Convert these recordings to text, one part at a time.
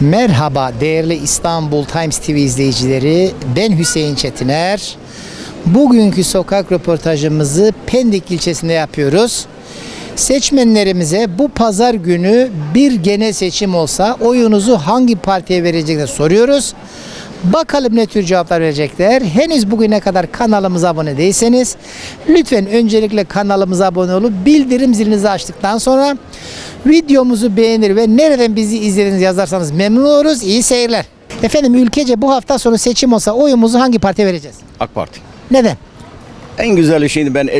Merhaba değerli İstanbul Times TV izleyicileri, ben Hüseyin Çetiner. Bugünkü sokak röportajımızı Pendik ilçesinde yapıyoruz. Seçmenlerimize bu pazar günü bir genel seçim olsa oyunuzu hangi partiye vereceğini soruyoruz. Bakalım ne tür cevaplar verecekler. Henüz bugüne kadar kanalımıza abone değilseniz lütfen öncelikle kanalımıza abone olup bildirim zilinizi açtıktan sonra videomuzu beğenir ve nereden bizi izlediğinizi yazarsanız memnun oluruz. İyi seyirler. Efendim ülkece bu hafta sonu seçim olsa oyumuzu hangi partiye vereceğiz? AK Parti. Neden? En güzeli şimdi ben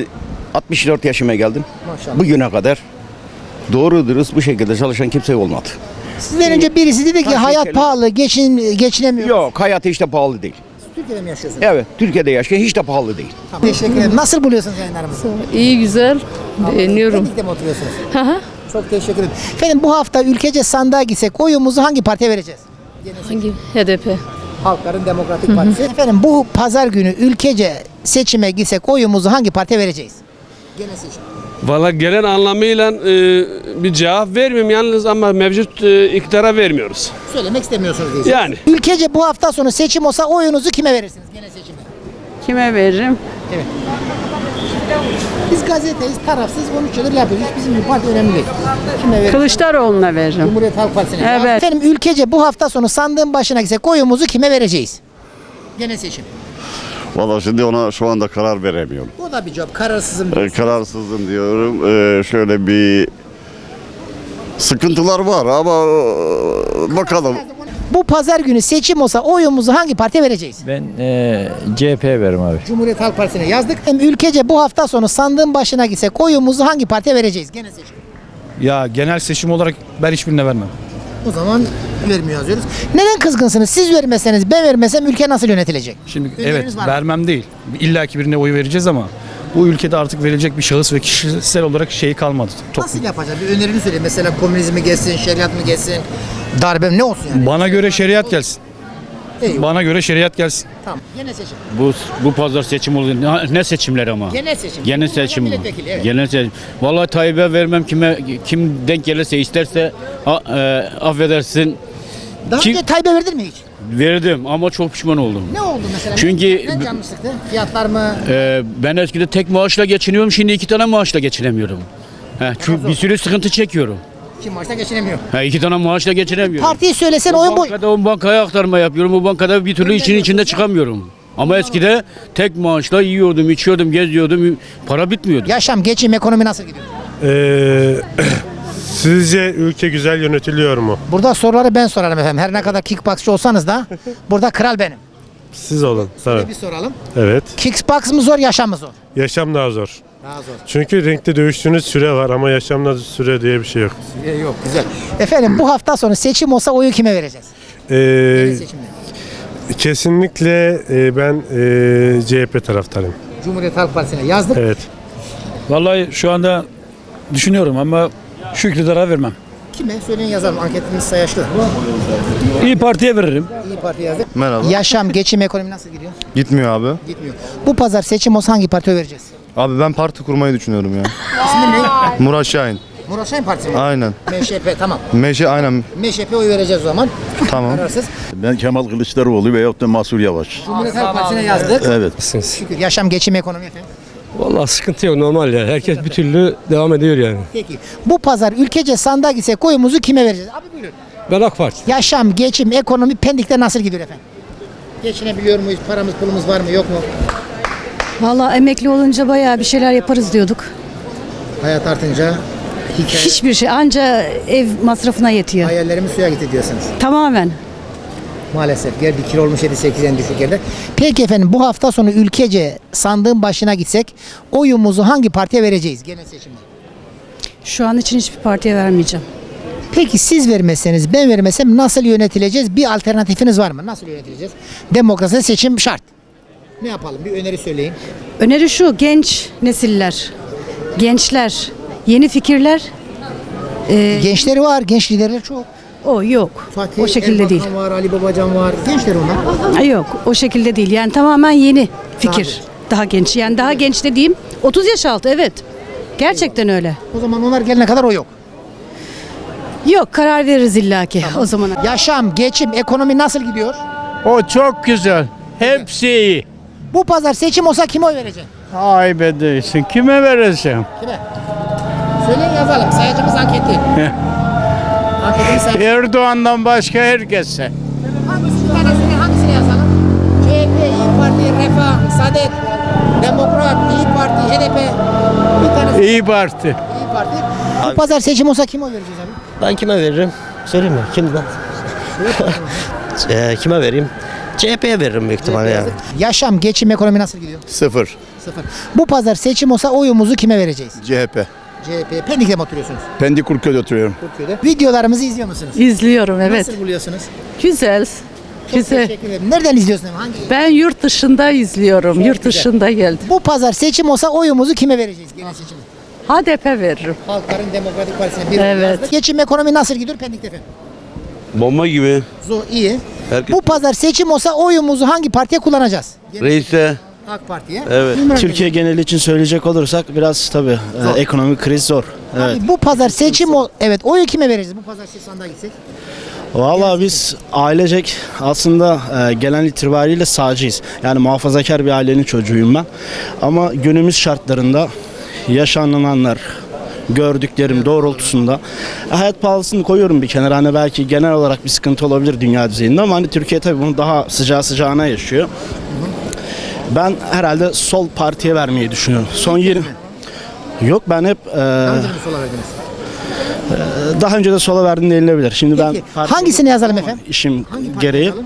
64 yaşıma geldim. Maşallah. Bugüne kadar doğru dürüst bu şekilde çalışan kimse olmadı. Sizden önce birisi dedi ki hayat ülkeler- pahalı, geçinemiyor. Yok, hayat hiç de pahalı değil. Türkiye'de mi yaşıyorsunuz? Evet, Türkiye'de yaşayan hiç de pahalı değil. Tamam. Teşekkür ederim. Nasıl buluyorsunuz yayınlarımızı? İyi güzel. Beğeniyorum. Pendik'te mi oturuyorsunuz? Hı hı. Çok teşekkür ederim. Efendim bu hafta ülkece sandığa gitsek oyumuzu hangi partiye vereceğiz? Hangi? HDP. Halkların Demokratik Partisi. Efendim bu pazar günü ülkece seçime gitsek oyumuzu hangi partiye vereceğiz? Genel seçim. Valla gelen anlamıyla bir cevap vermiyorum yalnız ama mevcut iktidara vermiyoruz. Söylemek istemiyorsunuz diyeceğim. Yani. Ülkece bu hafta sonu seçim olsa oyunuzu kime verirsiniz genel seçimde? Kime veririm? Evet. Biz gazeteyiz, tarafsız konuşuyoruz, yapıyoruz. Hiç bizim bir parti önemli değil. Kime veririz? Kılıçdaroğlu'na veririm. Cumhuriyet Halk Partisi'ne. Evet. Efendim ülkece bu hafta sonu sandığın başına gitsek oyumuzu kime vereceğiz? Genel seçim. Valla şimdi ona şu anda karar veremiyorum. O da bir cevap. Kararsızım diyorsun. Kararsızım diyorum. Şöyle bir sıkıntılar var ama bakalım. Bu pazar günü seçim olsa oyumuzu hangi partiye vereceğiz? Ben CHP'ye veririm abi. Cumhuriyet Halk Partisi'ne yazdık. Hem ülkece bu hafta sonu sandığın başına gitsek oyumuzu hangi partiye vereceğiz? Genel seçim. Ya genel seçim olarak ben hiçbirine vermem. O zaman vermiyor yazıyoruz. Neden kızgınsınız? Siz vermeseniz, ben vermesem ülke nasıl yönetilecek? Şimdi Öneriniz evet var mı? vermem değil. İlla ki birine oy vereceğiz ama bu ülkede artık verilecek bir şahıs ve kişisel olarak şey kalmadı. Nasıl yapacağız? Bir önerini söyle. Mesela komünizm mi geçsin, şeriat mı geçsin, darbe mi ne olsun yani? Bana göre şeriat gelsin. Eyvallah. Bana göre şeriat gelsin. Tamam. Genel seçim. Bu pazar seçim oluyor. Ne seçimler ama? Genel seçim. Genel seçim. Milletvekili, evet. Genel seçim. Vallahi Tayyip'e vermem kim denk gelirse isterse affedersin Daha Kim- önce Tayyip'e verdin mi hiç? verdim ama çok pişman oldum. Ne oldu mesela? Çünkü- Ne canını sıktı? Fiyatlar mı? Ben eskiden tek maaşla geçiniyorum, şimdi 2 tane maaşla geçinemiyorum. Çünkü bir sürü sıkıntı çekiyorum. Kim varsa geçinemiyor. 2 tane maaşla geçinemiyorum. Partiyi söylesen oyun bu. O bankaya aktarma yapıyorum. O bankada bir türlü için içinde çıkamıyorum. Ama eskide tek maaşla yiyordum, içiyordum, geziyordum. Para bitmiyordu. Yaşam, geçim, ekonomi nasıl gidiyor? Sizce ülke güzel yönetiliyor mu? Burada soruları ben sorarım efendim. Her ne kadar kickboxçı olsanız da burada kral benim. Siz olun. Tabii. Bir soralım. Evet. Kickbox mı zor, yaşam mı zor? Yaşam daha zor. Daha zor. Çünkü renkte dövüştüğünüz süre var ama yaşamda süre diye bir şey yok. Yok, güzel. Efendim bu hafta sonu seçim olsa oyu kime vereceğiz? Seçimde. Kesinlikle ben CHP taraftarıyım. Cumhuriyet Halk Partisi'ne yazdık. Evet. Vallahi şu anda düşünüyorum ama şu iktidara vermem. Kime? Söyleyin yazalım. Anketimiz sayaçlı. İyi Parti'ye veririm. İyi Parti yazdık. Merhaba. Yaşam, geçim, ekonomi nasıl gidiyor? Gitmiyor abi. Gitmiyor. Bu pazar seçim olsa hangi partiye vereceğiz? Abi ben parti kurmayı düşünüyorum ya. İsmi ne? Murat Şahin. Murat Şahin Partisi mi? Aynen. MŞP, tamam. Aynen. MŞP oy vereceğiz o zaman. Tamam. Kararsız. Ben Kemal Kılıçdaroğlu veyahut da Mansur Yavaş. Cumhuriyet Halk Partisi'ne yazdık. Evet. Şükür. Yaşam, geçim, ekonomi efendim. Vallahi sıkıntı yok, normal ya. Herkes bir türlü devam ediyor yani. Peki. Bu pazar ülkece sandığa gitsek oyumuzu kime vereceğiz? Abi buyurun. Ben AK Parti. Yaşam, geçim, ekonomi Pendik'te nasıl gidiyor efendim? Geçinebiliyor muyuz? Paramız, pulumuz var mı, yok mu? Vallahi emekli olunca bayağı bir şeyler yaparız diyorduk. Hayat artınca hikaye, Hiçbir şey, anca ev masrafına yetiyor. hayallerimiz suya gitti diyorsunuz. Tamamen. Maalesef. Gel 1 kilo olmuş 7-8 en düşük yerde. Peki efendim bu hafta sonu ülkece sandığın başına gitsek oyumuzu hangi partiye vereceğiz genel seçimde? Şu an için hiçbir partiye vermeyeceğim. Peki siz vermezseniz ben vermesem nasıl yönetileceğiz? Bir alternatifiniz var mı? Nasıl yönetileceğiz? Demokrasi seçim şart. Ne yapalım? Bir öneri söyleyin. Öneri şu, genç nesiller, gençler, yeni fikirler. Gençleri var, genç liderler çok. O yok. Fatih O şekilde değil. Erbakan var, Ali Babacan var. Gençler onlar. Yok, o şekilde değil. Yani tamamen yeni fikir. Daha genç. Yani daha genç dediğim 30 yaş altı, evet. Gerçekten öyle. O zaman onlar gelene kadar o yok. Yok, karar veririz illaki o zaman. Yaşam, geçim, ekonomi nasıl gidiyor? O çok güzel. Hepsi iyi. Bu pazar seçim olsa kime oy vereceksin? Ay be değilsin. Kime vereceğim? Kime? Söyleyin yazalım. Sayacımız anketi. Anketimiz sayacı. Erdoğan'dan başka herkese. Hangisini yazalım? CHP, İYİ Parti, Refah, Saadet, Demokrat, İYİ Parti, HDP. Bir tanesi İyi Parti. İYİ Parti. Bu pazar seçim olsa kime oy vereceğiz abi? Ben kime veririm? Söyleyeyim mi? Kimden? Kime vereyim? CHP'ye veririm büyük ihtimalle yani. Yaşam, geçim, ekonomi nasıl gidiyor? Sıfır. Sıfır. Bu pazar seçim olsa oyumuzu kime vereceğiz? CHP. CHP. Pendik'te mi oturuyorsunuz? Pendik Kurköy'de oturuyorum. Türkiye'de. Videolarımızı izliyor musunuz? İzliyorum evet. Nasıl buluyorsunuz? Güzel. Çok teşekkür ederim. Nereden izliyorsunuz? Hangi? Ben yurt dışında izliyorum. Yurt dışında geldim. Bu pazar seçim olsa oyumuzu kime vereceğiz? Genel seçim. HDP veririm. Halkların Demokratik Partisi'ne bir Evet. yazdık. Geçim, ekonomi nasıl gidiyor Pendik'te efendim? Bomba gibi. Zor, iyi. Herkes Bu pazar seçim olsa oyumuzu hangi partiye kullanacağız? reise. AK Parti'ye. Evet. Türkiye geneli için söyleyecek olursak biraz tabii ekonomik kriz zor. Evet. Abi bu pazar seçim evet, oyu kime vereceğiz? Bu pazar sandığa gitsek. Vallahi biz ailecek aslında gelen itibariyle sağcıyız. Yani muhafazakar bir ailenin çocuğuyum ben. Ama günümüz şartlarında yaşananlar, gördüklerim doğrultusunda hayat pahalısını koyuyorum bir kenara. Hani belki genel olarak bir sıkıntı olabilir dünya düzeyinde ama hani Türkiye tabii bunu daha sıcağına yaşıyor. Ben herhalde sol partiye vermeyi düşünüyorum. Son 20 Yok ben hep daha önce de sola verdim denilebilir. Şimdi ben Peki, hangisini yazalım efendim? işim Hangi parti gereği yazalım?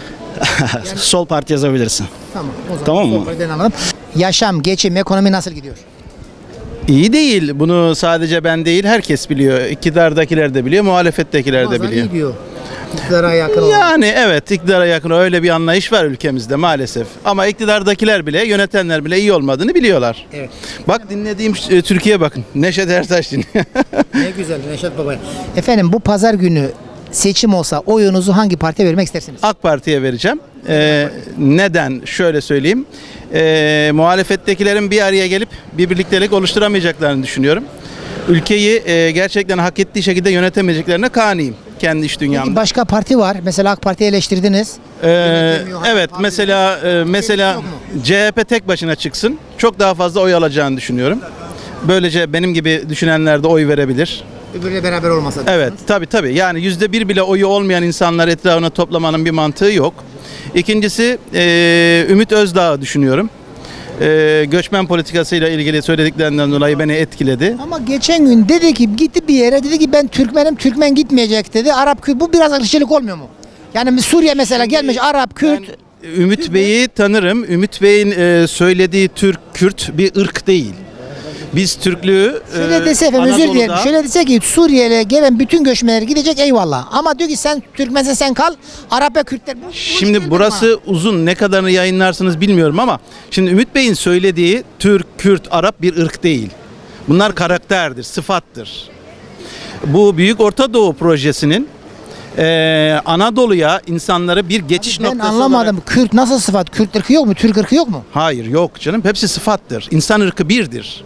sol parti yazabilirsin. Tamam. O zaman Tamam mı? sol partiden alalım. Yaşam, geçim, ekonomi nasıl gidiyor? İyi değil. Bunu sadece ben değil herkes biliyor. İktidardakiler de biliyor, muhalefettekiler de Bazen biliyor. iyi diyor. İktidara yakın olan. Yani evet iktidara yakın öyle bir anlayış var ülkemizde maalesef. Ama iktidardakiler bile, yönetenler bile iyi olmadığını biliyorlar. Evet. Bak dinlediğim Türkiye bakın. Neşet Ertaş dinliyor. Ne güzel Neşet Baba. Efendim bu pazar günü seçim olsa oyunuzu hangi partiye vermek istersiniz? AK Parti'ye vereceğim. Neden? Şöyle söyleyeyim. Muhalefettekilerin bir araya gelip bir birliktelik oluşturamayacaklarını düşünüyorum. Ülkeyi gerçekten hak ettiği şekilde yönetemeyeceklerine kaniyim kendi iş Peki dünyamda. başka parti var. Mesela AK Parti'yi eleştirdiniz. Evet mesela yok mu? CHP tek başına çıksın. Çok daha fazla oy alacağını düşünüyorum. Böylece benim gibi düşünenler de oy verebilir. Öbürüyle beraber olmasa. Evet tabii. Yani %1 bile oyu olmayan insanlar etrafına toplamanın bir mantığı yok. İkincisi Ümit Özdağ'ı düşünüyorum. Göçmen politikasıyla ilgili söylediklerinden dolayı beni etkiledi. Ama geçen gün dedi ki gitti bir yere dedi ki ben Türkmenim, Türkmen gitmeyecek dedi. Arap Kürt, bu biraz ırkçılık olmuyor mu? Yani Suriye mesela gelmiş Arap Kürt. Ümit Bey'i tanırım. Ümit Bey'in söylediği Türk, Kürt bir ırk değil. Biz Türklüğü Şöyle dese efendim özür dilerim. Anadolu'da- Şöyle dese ki Suriye'ye gelen bütün göçmenler gidecek eyvallah. Ama diyor ki sen Türkmensen sen kal. Arap ve Kürtler. Bu Şimdi işkildir burası uzun, ne kadarını yayınlarsınız bilmiyorum ama şimdi Ümit Bey'in söylediği Türk, Kürt, Arap bir ırk değil. Bunlar karakterdir, sıfattır. Bu Büyük Orta Doğu Projesi'nin Anadolu'ya insanları bir geçiş bana. Ben noktası anlamadım. olarak... Kürt nasıl sıfat? Kürt ırkı yok mu? Türk ırkı yok mu? Hayır yok canım, hepsi sıfattır. İnsan ırkı birdir.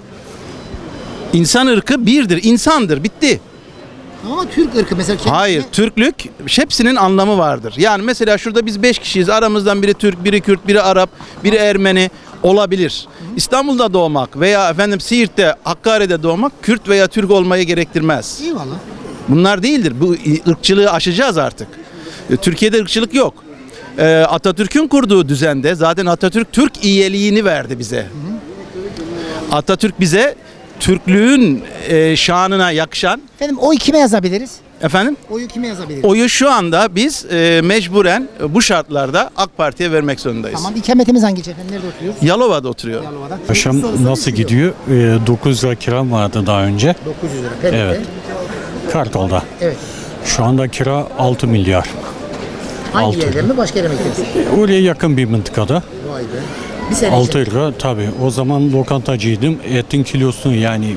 İnsan ırkı birdir, insandır, bitti. Ama Türk ırkı mesela. Hayır, Türklük hepsinin anlamı vardır. Yani mesela şurada biz 5 kişiyiz. Aramızdan biri Türk, biri Kürt, biri Arap, biri Ermeni olabilir. İstanbul'da doğmak veya Siirt'te, Hakkari'de doğmak Kürt veya Türk olmayı gerektirmez. Eyvallah. Bunlar değildir. Bu ırkçılığı aşacağız artık. Türkiye'de ırkçılık yok. Atatürk'ün kurduğu düzende zaten Atatürk Türk iyiliğini verdi bize. Atatürk bize Türklüğün şanına yakışan Efendim oy kime yazabiliriz? efendim Oyu kime yazabiliriz? oyu şu anda biz mecburen bu şartlarda AK Parti'ye vermek zorundayız. Tamam, ikametimiz hangi ilçe efendim? Nerede oturuyoruz? Yalova'da oturuyor. Yalova'da. Yaşam nasıl gidiyor? 9 lira kiram vardı daha önce. 900 lira. Pendik'te. Evet. Kartal'da. Evet. Şu anda kira 6 milyar. Hangi Altı. yerden mi? Başka yere mi gidiyorsun? Oraya yakın bir mıntıkada. Vay be. Bir sene 6 lira tabii. O zaman lokantacıydım. Etin kilosunu yani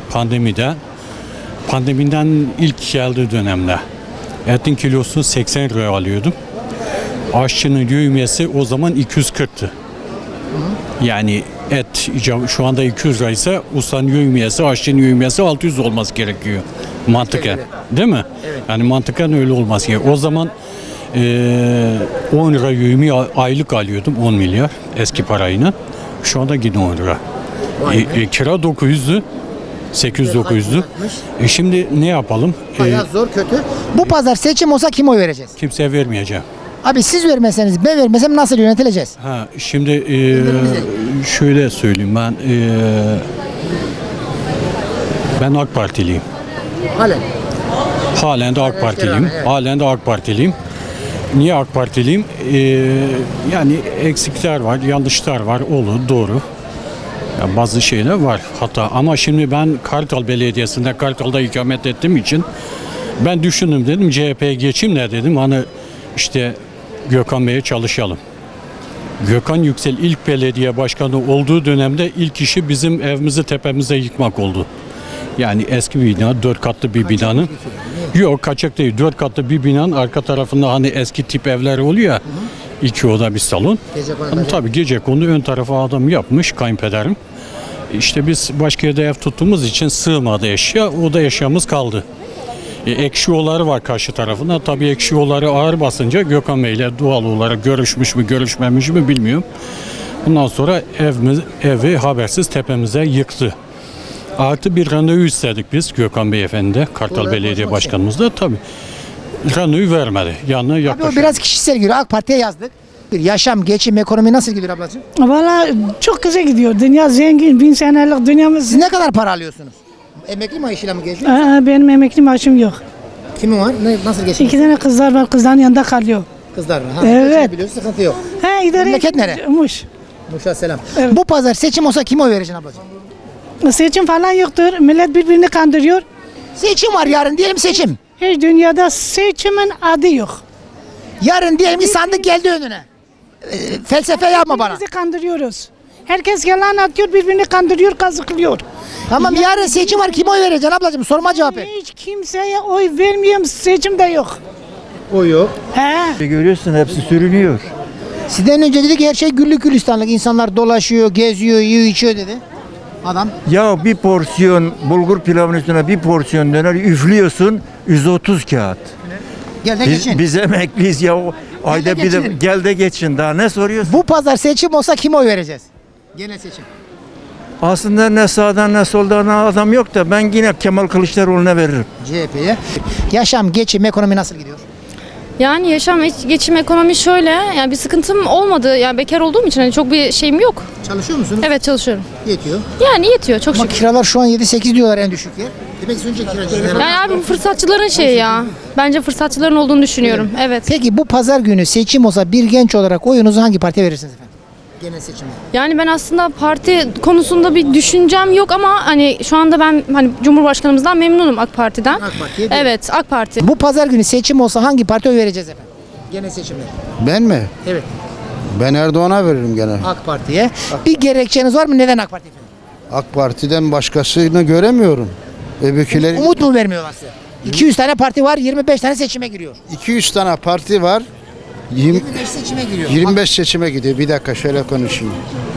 pandemiden ilk geldiği dönemde etin kilosunu 80 liraya alıyordum. Aşçının yövmiyesi o zaman 240'tı. Yani Et şu anda 200 lira ise ustanın yövmiyesi, aşçının yövmiyesi 600 olması gerekiyor. Mantıken. Değil mi? Yani mantıken öyle olması gerekiyor. O zaman 10 lira yövmiye aylık alıyordum 10 milyar eski parayla. Şu anda yine 10 lira. Kira 900'dü. 800-900'dü. Şimdi ne yapalım? Bayağı zor, kötü. Bu pazar seçim olsa kime oy vereceğiz? Kimseye vermeyeceğim. Abi siz vermeseniz, ben vermesem nasıl yönetileceğiz? Şimdi şöyle söyleyeyim ben AK Partiliyim. Halen. Halen de AK Partiliyim. evet. Halen de AK Partiliyim. Niye AK Partiliyim? Yani eksikler var, yanlışlar var, doğru. Ya bazı şeyler var hatta ama şimdi ben Kartal Belediyesi'nde Kartal'da ikamet ettiğim için ben düşündüm dedim CHP'ye geçeyim de dedim hani işte Gökhan Bey'e çalışalım. Gökhan Yüksel ilk belediye başkanı olduğu dönemde ilk işi bizim evimizi tepemize yıkmak oldu. Yani eski bir bina, 4 katlı bir binanın. Yok kaçak değil, 4 katlı bir binanın arka tarafında hani eski tip evler oluyor ya. 2 oda bir salon. Tabii gecekondu ön tarafa adam yapmış kayınpederim. İşte biz başka yerde ev tuttuğumuz için sığmadı eşya. O da eşyamız kaldı. Ekşi yolları var karşı tarafında. Tabii ekşi yolları ağır basınca Gökhan Bey ile doğal olarak görüşmüş mü görüşmemiş mi bilmiyorum. Bundan sonra evi habersiz tepemize yıktı. Artı bir randevu istedik biz Gökhan Beyefendi, Kartal Belediye Başkanımız da tabii randevu vermedi. Yanına Abi o yaklaşık. biraz kişisel giriyor. AK Parti'ye yazdık. Bir yaşam, geçim, ekonomi nasıl gidiyor ablacığım? Valla çok güzel gidiyor. Dünya zengin, 1000 senelik dünyamız. Siz ne kadar para alıyorsunuz? Emekli maaşıyla mı geziyor? Benim emekli maaşım yok. Kimin var? Nasıl geçiyor? 2 tane kızlar var, kızların yanında kalıyor. Kızlar var. Evet. Biliyorsun, sıkıntı yok. İdare Memleket nere? Muş. Muş'a selam. Evet. Bu pazar seçim olsa kime oy vereceksin ablacığım? Seçim falan yoktur. Millet birbirini kandırıyor. Seçim var yarın, diyelim seçim. Hiç dünyada seçimin adı yok. Yarın diyelim ki sandık geldi önüne. Felsefe yapma bana. Bizi kandırıyoruz. Herkes yalan atıyor, birbirini kandırıyor, kazıklıyor. Tamam yarın seçim var, kime oy vereceksin ablacığım? Sorma cevap et. Hiç kimseye oy vermiyorum, seçim de yok. O yok. Görüyorsun hepsi sürünüyor. Sizden önce dedi ki her şey güllük gülistanlık. İnsanlar dolaşıyor, geziyor, yiyor, içiyor dedi. Adam. Ya bir porsiyon bulgur pilavın üstüne bir porsiyon döner üflüyorsun 130 kağıt. Gel de geçin. Biz emekliyiz ya ayda bir de geçin. gel de geçin daha ne soruyorsun? Bu pazar seçim olsa kime oy vereceğiz? Genel seçim. Aslında ne sağdan ne soldan adam yok da ben yine Kemal Kılıçdaroğlu'na veririm. CHP'ye. Yaşam, geçim, ekonomi nasıl gidiyor? Yani yaşam, geçim, ekonomi şöyle. Yani bir sıkıntım olmadı. Yani bekar olduğum için hani çok bir şeyim yok. Çalışıyor musunuz? Evet çalışıyorum. Yetiyor. Yani yetiyor çok Ama şükür. kiralar şu an 7-8 diyorlar en düşük yer. Demek ki önce kiracılar. Yani abi bu fırsatçıların şeyi ya. Bence fırsatçıların olduğunu düşünüyorum. Evet. Peki bu pazar günü seçim olsa bir genç olarak oyunuzu hangi partiye verirsiniz efendim? Genel seçimde. Yani ben aslında parti konusunda bir düşüncem yok ama hani şu anda ben hani Cumhurbaşkanımızdan memnunum AK Parti'den. AK Parti'ye Evet AK Parti. Bu pazar günü seçim olsa hangi partiye oy vereceğiz efendim? Genel seçimde. Ben mi? Evet. Ben Erdoğan'a veririm gene. AK Parti'ye. Bir gerekçeniz var mı? Neden AK Parti efendim? AK Parti'den başkasını göremiyorum. Öbürküleri Umut mu vermiyorlar size? 200 tane parti var, 25 tane seçime giriyor. 200 tane parti var. 25 seçime giriyor. 25 seçime gidiyor. Bir dakika şöyle konuşayım.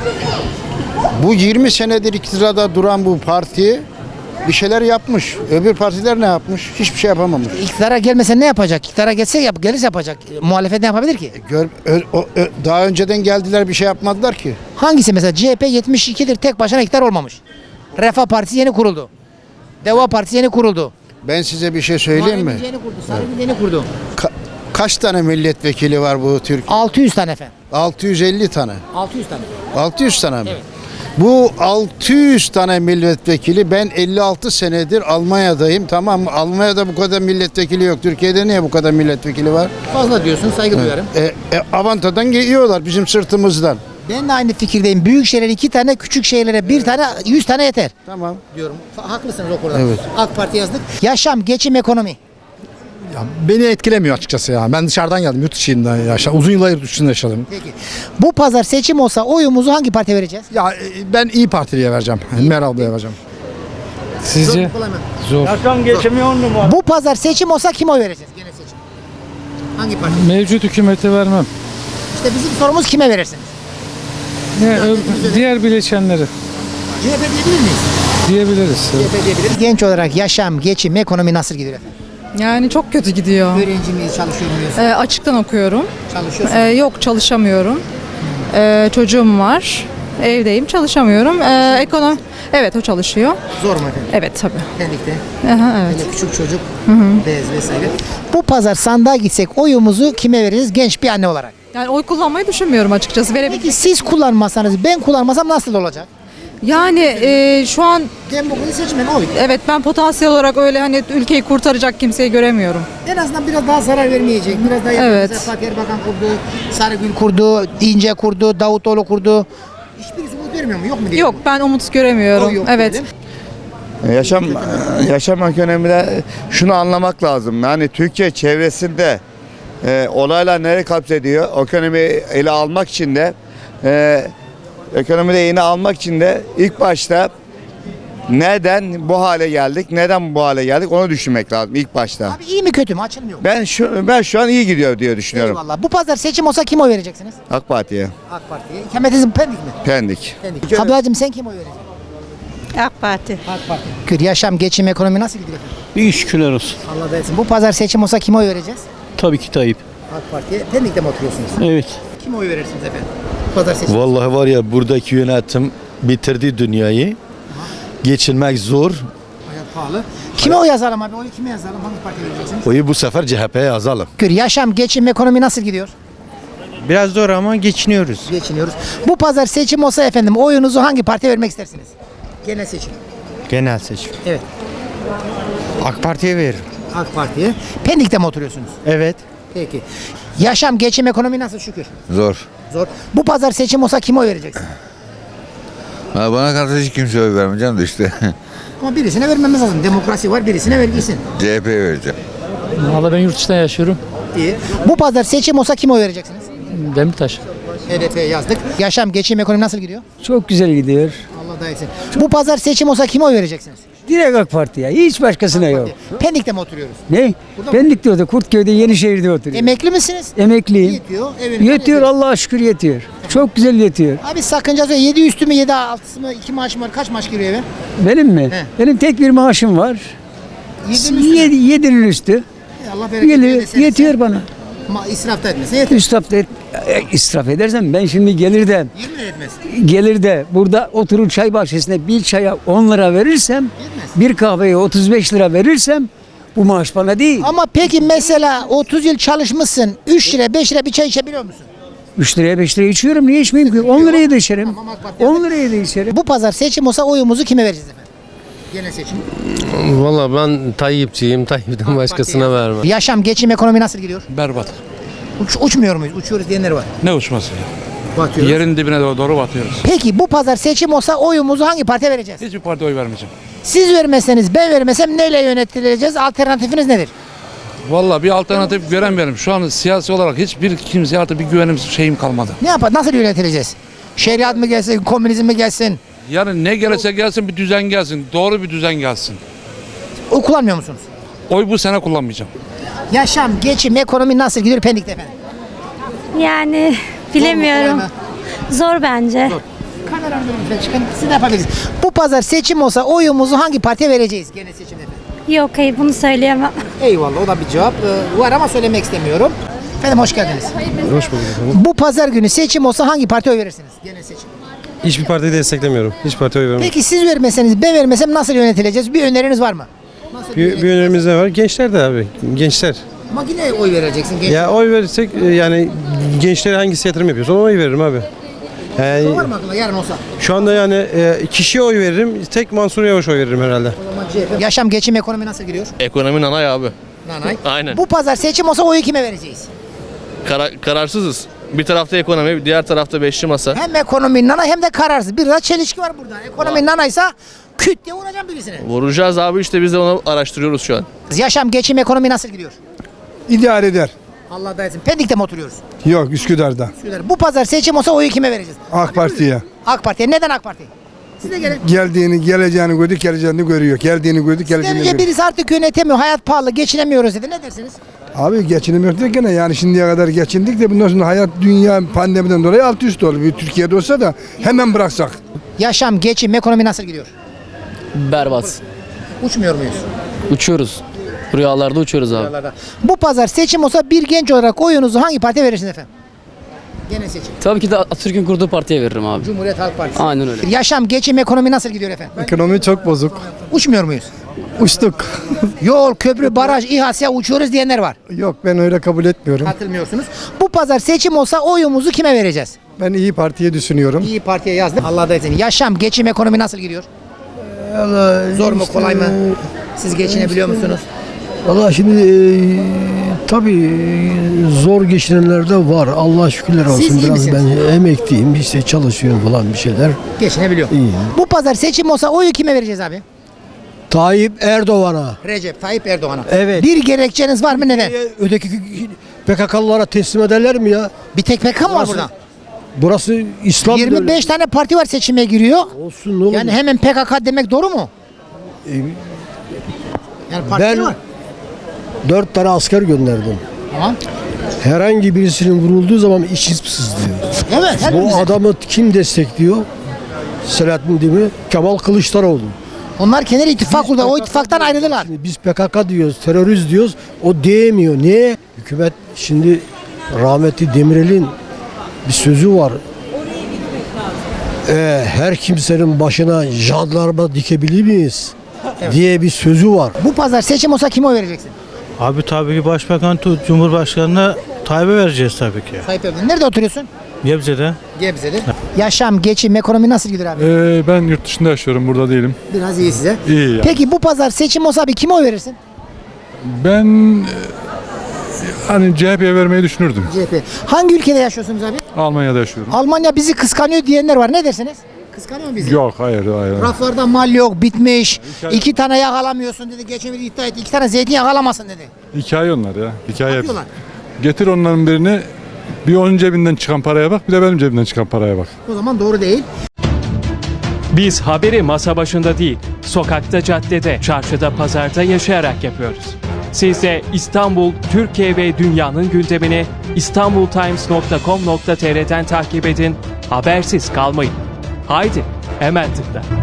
Bu 20 senedir iktidarda duran bu parti bir şeyler yapmış. Öbür partiler ne yapmış? Hiçbir şey yapamamış. İktidara gelmese ne yapacak? İktidara gelirse yapacak. Muhalefet ne yapabilir ki? Daha önceden geldiler bir şey yapmadılar ki. Hangisi mesela? CHP 72'dir tek başına iktidar olmamış. Refah Partisi yeni kuruldu. Deva Partisi yeni kuruldu. Ben size bir şey söyleyeyim mi? Muharrem yeni kurdu. Sarıgül yeni kurdu. Kaç tane milletvekili var bu Türkiye? 600 tane efendim. 650 tane. 600 tane. 600 tane mi? Evet. Bu 600 tane milletvekili, ben 56 senedir Almanya'dayım, tamam mı? Almanya'da bu kadar milletvekili yok. Türkiye'de niye bu kadar milletvekili var? Fazla diyorsun, saygı duyarım. Avantadan yiyorlar bizim sırtımızdan. Ben de aynı fikirdeyim. Büyük şehirlere 2 tane, küçük şehirlere 1 tane, 100 tane yeter. Tamam. Diyorum. Haklısınız o konuda. Evet. AK Parti yazdık. Yaşam, geçim, ekonomi. Beni etkilemiyor açıkçası ya. Ben dışarıdan geldim, yurt dışından yaşadım. Uzun yıllar yurt dışında yaşadım. Peki. Bu pazar seçim olsa oyumuzu hangi partiye vereceğiz? Ya ben İyi Partili'ye vereceğim. Meral ablaya vereceğim. Sizce? Kolay mı? Zor. Yaşam geçimi 10 numara. Bu pazar seçim olsa kime oy vereceğiz? Genel seçim. Hangi parti? Mevcut hükümete vermem. İşte bizim sorumuz kime verirsiniz? Diğer bileşenleri CHP diyebilir miyiz? diyebiliriz. CHP diyebiliriz. Genç olarak yaşam, geçim, ekonomi nasıl gidiyor efendim? Yani çok kötü gidiyor. Öğrenci miyiz, çalışıyor muyuz? Açıktan okuyorum. Çalışıyorsunuz. Yok çalışamıyorum. Çocuğum var. Evdeyim çalışamıyorum. Ekonomi. Evet o çalışıyor. Zor mu efendim? Evet tabii. Pendik'te. Aha, evet. Böyle küçük çocuk, bez vesaire. Bu pazar sandığa gitsek oyumuzu kime veririz genç bir anne olarak? Yani oy kullanmayı düşünmüyorum açıkçası. Peki siz kullanmasanız, ben kullanmasam nasıl olacak? Yani şu an Demokrasi seçmen oy. evet ben potansiyel olarak öyle hani ülkeyi kurtaracak kimseyi göremiyorum. En azından biraz daha zarar vermeyecek. Biraz daha Evet. Mesela Fatih Erbakan kurdu, Sarıgül kurdu, İnce kurdu, Davutoğlu kurdu. Hiçbirisi umut vermiyor mu? Yok mu diye? Yok ben umut göremiyorum. Oy yok Evet. diyelim. Yaşam ekonomide şunu anlamak lazım. Yani Türkiye çevresinde olaylar nereye kapsediyor? Ekonomiyi ele almak için de ekonomide yeni almak için de ilk başta neden bu hale geldik? Neden bu hale geldik? Onu düşünmek lazım ilk başta. Abi iyi mi kötü mü? Açılmıyor. Ben şu an iyi gidiyor diye düşünüyorum. Eyvallah. Bu pazar seçim olsa kim oy vereceksiniz? AK Parti'ye. AK Parti'ye. İkametiniz Pendik mi? Pendik. Pendik. Ablacığım sen kim oy vereceksin? AK Parti. AK Parti. Şükür yaşam, geçim, ekonomi nasıl gidiyor efendim? İyi şükürler olsun. Allah da etsin. Bu pazar seçim olsa kime oy vereceğiz? Tabii ki Tayyip. AK Parti'ye. Pendik'te mi oturuyorsunuz? Evet. Kime oy verirsiniz efendim? Pazar seçim. Vallahi var ya buradaki yönetim bitirdi dünyayı. Geçinmek zor. Hayat pahalı. Kime oy yazalım abi? Oyu kime yazalım? Hangi partiye vereceksiniz? Oyu bu sefer CHP'ye yazalım. Şükür yaşam, geçim, ekonomi nasıl gidiyor? Biraz zor ama geçiniyoruz. Geçiniyoruz. Bu pazar seçim olsa efendim oyunuzu hangi partiye vermek istersiniz? Genel seçim. Genel seçim. Evet. AK Parti'ye veririm. AK Parti'ye. Pendik'te mi oturuyorsunuz? Evet. Peki. Yaşam, geçim, ekonomi nasıl şükür? Zor. Zor. Bu pazar seçim olsa kime oy vereceksin? Bana karşı hiç kimseye oy vermeyeceğim de işte. Ama birisine vermemiz lazım. Demokrasi var, birisine vergilsin. CHP'ye vereceğim. Valla ben yurt dışında yaşıyorum. İyi. Bu pazar seçim olsa kime oy vereceksiniz? Demirtaş. HDP'ye yazdık. Yaşam, geçim, ekonomi nasıl gidiyor? Çok güzel gidiyor. Allah da etsin. Bu pazar seçim olsa kime oy vereceksiniz? Direkt AK Parti'ye. Hiç başkasına yok. Pendik'te mi oturuyoruz? Ne? Pendik'te oturuyor. Kurtköy'de, Yenişehir'de oturuyor. Emekli misiniz? Emekliyim. Yetiyor. Evinize Yetiyor Allah'a şükür yetiyor. Çok güzel yetiyor. Abi sakıncası yok. 7 üstü mü 7 altısı mı 2 maaşım var. Kaç maaş giriyor eve? Benim mi? He. Benim tek bir maaşım var. 7'nin üstü. Allah bereket Geliyor, versin. yetiyor bana. İsraf da etmesin. Yeter. İsraf edersem ben şimdi gelir de burada oturur çay bahçesinde bir çaya 10 lira verirsem, bir kahveye 35 lira verirsem bu maaş bana değil. Ama peki mesela 30 yıl çalışmışsın. 3 lira 5 lira bir çay içebiliyor musun? 3 liraya 5 liraya içiyorum. Niye içmeyeyim ki? 10 liraya da içerim. 10 liraya da içerim. Bu pazar seçim olsa oyumuzu kime vereceğiz efendim? Genel seçim. Valla ben Tayyipçiyim. Tayyip'ten başkasına vermem. Yaşam, geçim, ekonomi nasıl gidiyor? Berbat. Uçmuyor muyuz? Uçuyoruz diyenler var. Ne uçması ya? Batıyoruz. Yerin dibine doğru batıyoruz. Peki bu pazar seçim olsa oyumuzu hangi partiye vereceğiz? Hiçbir partiye oy vermeyeceğim. Siz vermeseniz ben vermesem neyle yönetileceğiz? Alternatifiniz nedir? Vallahi bir alternatif göremiyorum. Şu an siyasi olarak hiçbir kimseye artık bir güvenim şeyim kalmadı. Ne yapar? Nasıl yönetileceğiz? Şeriat mı gelsin, komünizm mi gelsin? Yani ne gelirse gelsin bir düzen gelsin. Doğru bir düzen gelsin. Oy kullanmıyor musunuz? Oy bu sene kullanmayacağım. Yaşam, geçim, ekonomi nasıl gidiyor Pendik'te efendim? Yani bilemiyorum. Zor bence. Kameradan lütfen çıkın. Siz de yapabilirsiniz. Bu pazar seçim olsa oyumuzu hangi partiye vereceğiz genel seçimde efendim? Yok hayır bunu söyleyemem. Eyvallah o da bir cevap. Var ama söylemek istemiyorum. Efendim hoş geldiniz. Hoş bulduk efendim. Bu pazar günü seçim olsa hangi partiye oy verirsiniz? Genel seçim. Hiçbir partiyi desteklemiyorum. Hiç partiye oy vermem. Peki siz vermeseniz ben vermesem nasıl yönetileceğiz? Bir öneriniz var mı? Nasıl Bir önerimiz ne var? Gençler de abi. Gençler. Ama yine oy vereceksin. Genç. Ya oy verirsek yani gençlere hangisi yatırım yapıyorsa ona oy veririm abi. Yani, Var mı aklına yarın olsa? şu anda yani kişiye oy veririm. Tek Mansur Yavaş oy veririm herhalde. O zaman CHP. Yaşam, geçim, ekonomi nasıl gidiyor? Ekonomi nanay abi. Nanay. Aynen. Bu pazar seçim olsa oyu kime vereceğiz? Kararsızız. Bir tarafta ekonomi, diğer tarafta beşli masa. Hem ekonomi nana hem de kararsız. Biraz çelişki var burada. Ekonomi nanaysa küt diye vuracağım birisine. Vuracağız abi işte biz de onu araştırıyoruz şu an. Yaşam, geçim, ekonomi nasıl gidiyor? İdare eder. Allah da etsin. Pendik'te mi oturuyoruz? Yok Üsküdar'da. Bu pazar seçim olsa oyu kime vereceğiz? AK Parti'ye. AK Parti'ye. Neden AK Parti? Siz de gelin. Geleceğini gördük, geleceğini görüyor. Geldiğini gördük, geleceğini Önce birisi artık yönetemiyor. Hayat pahalı, geçinemiyoruz dedi. Ne dersiniz? Abi geçinemiyoruz derken yani şimdiye kadar geçindik de bundan sonra hayat dünya pandemiden dolayı alt üst oldu. Bir Türkiye'de olsa da hemen bıraksak. Yaşam, geçim, ekonomi nasıl gidiyor? Berbat. Uçmuyor muyuz? Uçuyoruz. Rüyalarda uçuyoruz abi. Bu pazar seçim olsa bir genç olarak oyunuzu hangi partiye verirsiniz efendim? Gene seçim. Tabii ki de Atatürk'ün kurduğu partiye veririm abi. Cumhuriyet Halk Partisi. Aynen öyle. Yaşam, geçim, ekonomi nasıl gidiyor efendim? Ekonomi çok bozuk. Uçmuyor muyuz? Uçtuk. Yol, köprü, baraj, İHA, uçuyoruz diyenler var. Yok ben öyle kabul etmiyorum. Katılmıyorsunuz. Bu pazar seçim olsa oyumuzu kime vereceğiz? Ben İyi Parti'ye düşünüyorum. İyi Parti'ye yazdım. Allah da etsin. Yaşam, geçim, ekonomi nasıl gidiyor? Zor mu, kolay mı? Siz geçinebiliyor musunuz? Valla şimdi tabii zor geçinenler de var. Allah şükürler olsun. Siz iyi Biraz misiniz? ben emekliyim. İşte çalışıyorum falan bir şeyler. Geçinebiliyor. İyi. Bu pazar seçim olsa oyu kime vereceğiz abi? Tayyip Erdoğan'a. Recep Tayyip Erdoğan'a. Evet. Bir gerekçeniz var mı, neden? Öteki PKK'lılara teslim ederler mi ya? Bir tek PKK mı var burada? Burası İslam 25 tane parti var seçime giriyor. Olsun ne olur. Yani hemen PKK demek doğru mu? Yani parti Ben var. 4 tane asker gönderdim. Tamam. Herhangi birisinin vurulduğu zaman içi sızlıyor. Evet. Bu hepimiz. adamı kim destekliyor? Selahattin Demirel, Kemal Kılıçdaroğlu. Onlar kenar ittifak kurdu. O ittifaktan ayrıldılar. Şimdi biz PKK diyoruz, terörist diyoruz. O diyemiyor. Niye? Hükümet şimdi rahmetli Demirel'in bir sözü var. Her kimsenin başına jandarma dikebilir miyiz? Diye bir sözü var. Bu pazar seçim olsa kime oy vereceksin? Abi tabii ki Başbakan Cumhurbaşkanı'na Tayyip'e vereceğiz tabii ki. Tayyip Erdoğan. Nerede oturuyorsun? Gebze'de. Gebze'de. Yaşam, geçim, ekonomi nasıl gidiyor abi? Ben yurt dışında yaşıyorum, burada değilim. Biraz iyi size. İyi yani. Peki bu pazar seçim olsa abi kime oy verirsin? Ben hani CHP'ye vermeyi düşünürdüm. CHP. Hangi ülkede yaşıyorsunuz abi? Almanya'da yaşıyorum. Almanya bizi kıskanıyor diyenler var. Ne dersiniz? Kıskanıyor mu bizi? Yok, hayır. Raflarda mal yok, bitmiş. 2 tane yakalamıyorsun dedi. Geçen bir iddia etti. 2 tane zeytin yakalamasın dedi. Hikaye onlar ya. Hikaye. Yapıyorlar. Getir onların birini, bir onun cebinden çıkan paraya bak, bir de benim cebimden çıkan paraya bak. O zaman doğru değil. Biz haberi masa başında değil, sokakta, caddede, çarşıda, pazarda yaşayarak yapıyoruz. Siz de İstanbul, Türkiye ve dünyanın gündemini istanbultimes.com.tr'den takip edin, habersiz kalmayın. Haydi, hemen tıkla.